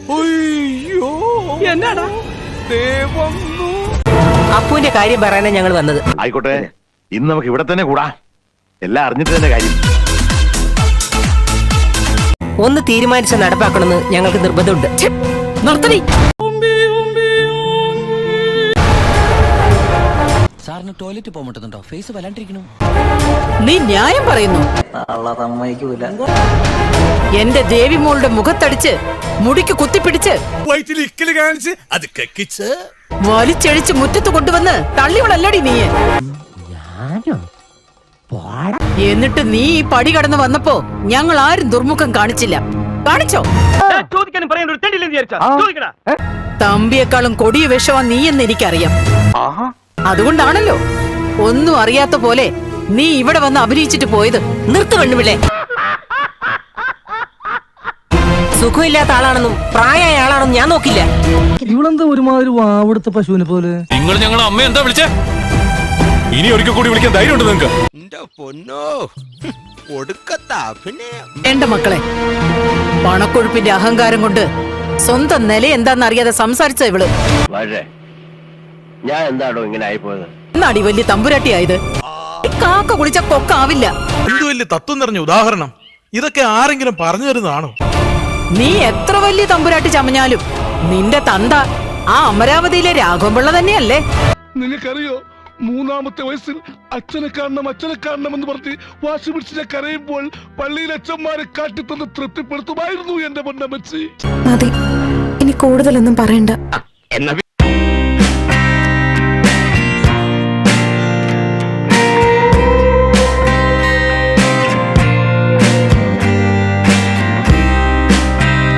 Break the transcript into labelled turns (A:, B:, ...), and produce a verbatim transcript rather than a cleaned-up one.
A: എന്നാടാ
B: അപ്പുവിന്റെ കാര്യം പറയാനാണ് ഞങ്ങൾ വന്നത്.
C: ആയിക്കോട്ടെ, ഇന്ന് നമുക്ക് ഇവിടെ തന്നെ കൂടാ. എല്ലാം അറിഞ്ഞിട്ട് തന്നെ കാര്യം.
B: ഒന്ന് തീരുമാനിച്ച് നടപ്പാക്കണമെന്ന് ഞങ്ങൾക്ക് നിർബന്ധമുണ്ട്.
A: നിർത്തടി.
D: സാറിന് ടോയ്ലറ്റ് പോകാൻ പറ്റുന്നുണ്ടോ? ഫേസ് വല്ലാണ്ടിരിക്കണു.
A: നീ ന്യായം പറയുന്നു. എന്റെ ദേവി മോളുടെ മുഖത്തടിച്ച് മുടിക്ക് കുത്തിപ്പിടിച്ച് വലിച്ചെഴിച്ച് മുറ്റത്ത് കൊണ്ടുവന്ന് തള്ളിവളല്ലടി നീ. എന്നിട്ട് നീ ഈ പടി കടന്ന് വന്നപ്പോ ഞങ്ങൾ ആരും ദുർമുഖം കാണിച്ചില്ല. കാണിച്ചോ? തമ്പിയെക്കാളും കൊടിയ വിഷമാ നീ എന്ന് എനിക്കറിയാം. അതുകൊണ്ടാണല്ലോ ഒന്നും അറിയാത്ത പോലെ നീ ഇവിടെ വന്ന് അഭിനയിച്ചിട്ട് പോയത്.
B: നിർത്തു പെണ്ണുപിള്ളേ. സുഖമില്ലാത്ത ആളാണെന്നും പ്രായമായ ആളാണെന്നും ഞാൻ നോക്കില്ല.
E: ഇവളെന്താ ഒരുമാതിരി വാവെടുത്ത പശുവിനെ പോലെ?
F: നിങ്ങൾ ഞങ്ങളെ അമ്മ എന്താ വിളിച്ചേ? ഇനി ഒരിക്കൽ കൂടി വിളിക്കാൻ ധൈര്യമുണ്ട് നിങ്ങൾക്ക്?
A: എന്റെ മക്കളെ, പണക്കൊഴുപ്പിന്റെ അഹങ്കാരം കൊണ്ട് സ്വന്തം നില എന്താന്നറിയാതെ സംസാരിച്ച ഇവള്
C: ഞാൻ എന്താണോ ഇങ്ങനെ ആയിപ്പോയത്?
A: എന്നാടി വലിയ തമ്പുരാട്ടിയായത്. കാക്ക കുളിച്ച കൊക്കാവില്ല.
G: എന്ത് വലിയ തത്വം നിറഞ്ഞ ഉദാഹരണം! ഇതൊക്കെ ആരെങ്കിലും പറഞ്ഞു തരുന്നതാണോ?
A: നീ എത്ര വലിയ തമ്പുരാട്ടി ചമഞ്ഞാലും നിന്റെ തന്ത ആ അമരാവതിയിലെ രാഘവൻപിള്ള തന്നെയല്ലേ?
H: നിനക്കറിയോ, മൂന്നാമത്തെ വയസ്സിൽ അച്ഛനെ കാണണം അച്ഛനെ കാണണം എന്ന് പറഞ്ഞ് വാശി പിടിച്ച് കരയുമ്പോൾ പള്ളിയിലെ അച്ഛന്മാരെ കാട്ടിത്തന്ന് തൃപ്തിപ്പെടുത്തുമായിരുന്നു എന്റെ പൊന്നമ്മച്ചി.
I: മതി, ഇനി കൂടുതലൊന്നും പറയണ്ട.